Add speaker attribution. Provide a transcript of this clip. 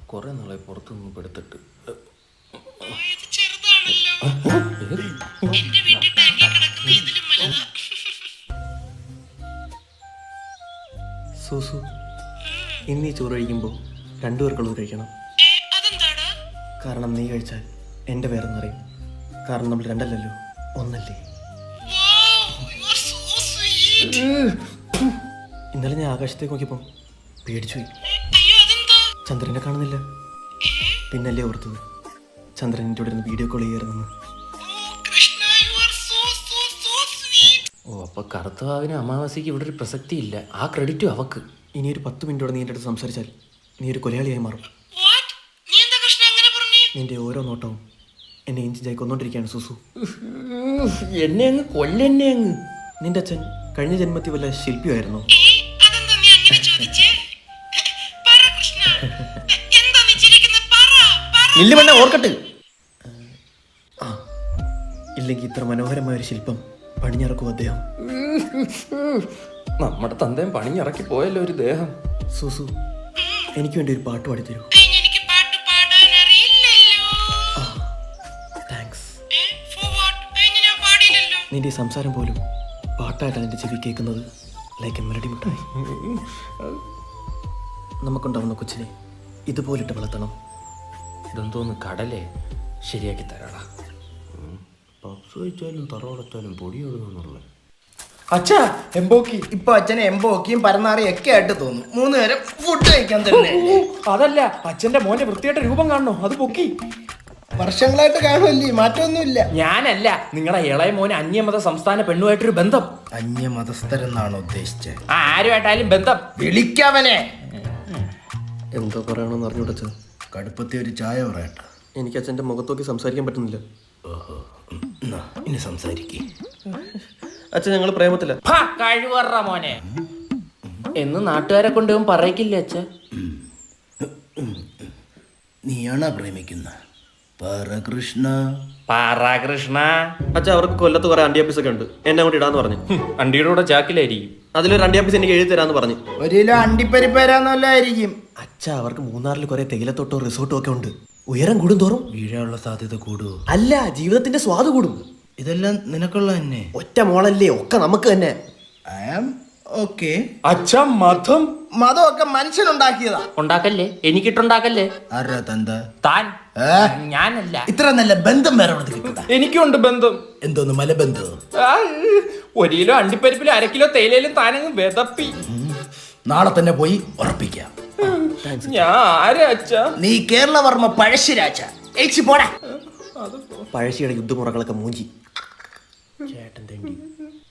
Speaker 1: കുറെ നാളെ പുറത്തുനിന്ന് പെടുത്തിട്ട്. സൂസു, ഇന്നീ ചോറ് കഴിക്കുമ്പോൾ രണ്ടുപേർക്കുള്ളത് കഴിക്കണം. കാരണം നീ കഴിച്ചാൽ എൻ്റെ പേരെന്ന് പറയും. കാരണം നമ്മൾ രണ്ടല്ലല്ലോ, ഒന്നല്ലേ. ഇന്നലെ ഞാൻ ആകാശത്തേക്ക് നോക്കിയപ്പം പേടിച്ചു പോയി. ചന്ദ്രനെ കാണുന്നില്ല. പിന്നല്ലേ ഓർത്തത് ചന്ദ്രൻ എൻ്റെ ഇവിടെ ഇരുന്ന് വീഡിയോ കോൾ ചെയ്യാറുണ്ടെന്ന്. ഓ, അപ്പൊ കറുത്തവാവിന് അമാവാസിക്ക് ഇവിടെ ഒരു പ്രസക്തി ഇല്ല. ആ ക്രെഡിറ്റും അവക്ക്. ഇനി ഒരു 10 മിനിറ്റോടെ നീ എൻ്റെ അടുത്ത് സംസാരിച്ചാൽ നീ ഒരു കൊലയാളിയായി മാറും. നിന്റെ ഓരോ നോട്ടവും എന്നെ ഇഞ്ചിഞ്ചായി കൊന്നോണ്ടിരിക്കുകയാണ് സൂസു. എന്നെ അങ്ങ് കൊല്ലെന്നെ അങ്ങ്. നിന്റെ അച്ഛൻ കഴിഞ്ഞ ജന്മത്തിൽ വല്ല ശില്പിയായിരുന്നു. ഇല്ല, ഓർക്കട്ടെ. ഇല്ലെങ്കിൽ ഇത്ര മനോഹരമായ ഒരു ശില്പം പണിഞ്ഞിറക്കും അദ്ദേഹം. നമ്മുടെ തന്തയും പണിഞ്ഞിറക്കി പോയല്ലോ ഒരു ദേഹം. സൂസു, എനിക്ക് വേണ്ടി ഒരു പാട്ട് പാടിത്തരൂ. നിന്റെ ഈ സംസാരം പോലും പാട്ടായിട്ടാണ് എൻ്റെ ചെവി കേൾക്കുന്നത്. ലൈക്ക് എ മെലഡി മിഠായി. നമുക്കുണ്ടാവുന്ന കൊച്ചിനെ ഇതുപോലിട്ട് വളർത്തണം. ഇതെന്തോന്ന് കടലേ, ശരിയാക്കി തരാടാ. പപ്സ് കഴിച്ചാലും തറവടച്ചാലും പൊടി ഒഴുകുന്നുള്ള
Speaker 2: അച്ഛാ എംബോക്കി. ഇപ്പൊ അച്ഛനെ എംബോക്കിയും പരന്നാറിയും ഒക്കെ ആയിട്ട് തോന്നും. 3 നേരം ഫുഡ് കഴിക്കാൻ തന്നെ.
Speaker 3: അതല്ല, അച്ഛന്റെ മോന്റെ വൃത്തിയായിട്ട് രൂപം കാണണോ? അത് പൊക്കി.
Speaker 2: വർഷങ്ങളായിട്ട് കാണുമല്ലേ, മാറ്റമൊന്നുമില്ല.
Speaker 3: ഞാനല്ല, നിങ്ങളുടെ ഇളയ മോന് അന്യമത സംസ്ഥാന പെണ്ണുമായിട്ടൊരു ബന്ധം.
Speaker 2: അന്യമതസ്ഥരെന്നാണോ ഉദ്ദേശിച്ചത്?
Speaker 3: ആരുമായിട്ടായാലും ബന്ധം.
Speaker 2: വിളിക്കവനെ.
Speaker 1: എന്തോ പറയണമെന്ന് അറിഞ്ഞൂടച്ച.
Speaker 2: കടുപ്പത്തെ ഒരു ചായ പറയട്ടെ.
Speaker 1: എനിക്ക് അച്ഛൻ്റെ മുഖത്തോക്കി സംസാരിക്കാൻ പറ്റുന്നില്ല.
Speaker 2: ഇനി സംസാരിക്കേ.
Speaker 1: അച്ഛൻ ഞങ്ങൾ പ്രേമത്തില്ല.
Speaker 3: കഴിവറ മോനെ എന്ന് നാട്ടുകാരെ കൊണ്ടുപോകും പറയിക്കില്ലേ അച്ഛ?
Speaker 2: നീയാണോ പ്രേമിക്കുന്ന? പരകൃഷ്ണ.
Speaker 1: അച്ഛൻ അവർക്ക് കൊല്ലത്ത് കുറെ അണ്ടിയാപ്പീസ് ഒക്കെ ഉണ്ട്. എന്നെ അങ്ങോട്ട് ഇടാന്ന് പറഞ്ഞു.
Speaker 3: അണ്ടിയുടെ കൂടെ ചാക്കിലായിരിക്കും.
Speaker 1: അതിലൊരു അണ്ടിയാപ്പീസ് എനിക്ക് എഴുതി തരാന്ന് പറഞ്ഞു.
Speaker 2: 1 കിലോ അണ്ടിപ്പരിപ്പരാന്നല്ലായിരിക്കും.
Speaker 1: അച്ഛ, അവർക്ക് മൂന്നാറിൽ കുറെ തേയിലത്തോട്ടോ റിസോർട്ടും ഒക്കെ ഉണ്ട്. ഉയരം കൂടും തോറും
Speaker 2: വീഴാനുള്ള സാധ്യത കൂടുവോ?
Speaker 1: അല്ല, ജീവിതത്തിന്റെ സ്വാദ് കൂടും.
Speaker 2: ഇതെല്ലാം നിനക്കുള്ള തന്നെ.
Speaker 1: ഒറ്റ മോളല്ലേ, ഒക്കെ നമുക്ക് തന്നെ.
Speaker 2: I am okay.
Speaker 3: അച്ഛ,
Speaker 2: മതമൊക്കെ മനുഷ്യനുണ്ടാക്കിയതാ.
Speaker 3: ഉണ്ടാക്കല്ലേ, എനിക്കിട്ടുണ്ടാക്കല്ലേ.
Speaker 2: ആരാ തന്ത?
Speaker 3: താൻ. ഞാനല്ല.
Speaker 2: ഇത്ര നല്ല ബന്ധം വേറെ കിട്ടൂടാ.
Speaker 3: എനിക്കുണ്ട് ബന്ധം.
Speaker 2: എന്തോന്ന് മലബന്ധം?
Speaker 3: 1 കിലോ അണ്ടിപ്പരിപ്പിലും 1/2 കിലോ തേയിലയിലും താനങ്ങ് വെതപ്പി.
Speaker 2: നാളെ തന്നെ പോയി ഉറപ്പിക്കാം.
Speaker 3: ഞാൻ ആരാ അച്ഛ?
Speaker 2: നീ കേരളവർമ്മ പഴശ്ശിരാജ. പോടാ.
Speaker 1: പഴശ്ശിയുടെ യുദ്ധമുറകളൊക്കെ മൂഞ്ചി. ചേട്ടൻ തേണ്ടി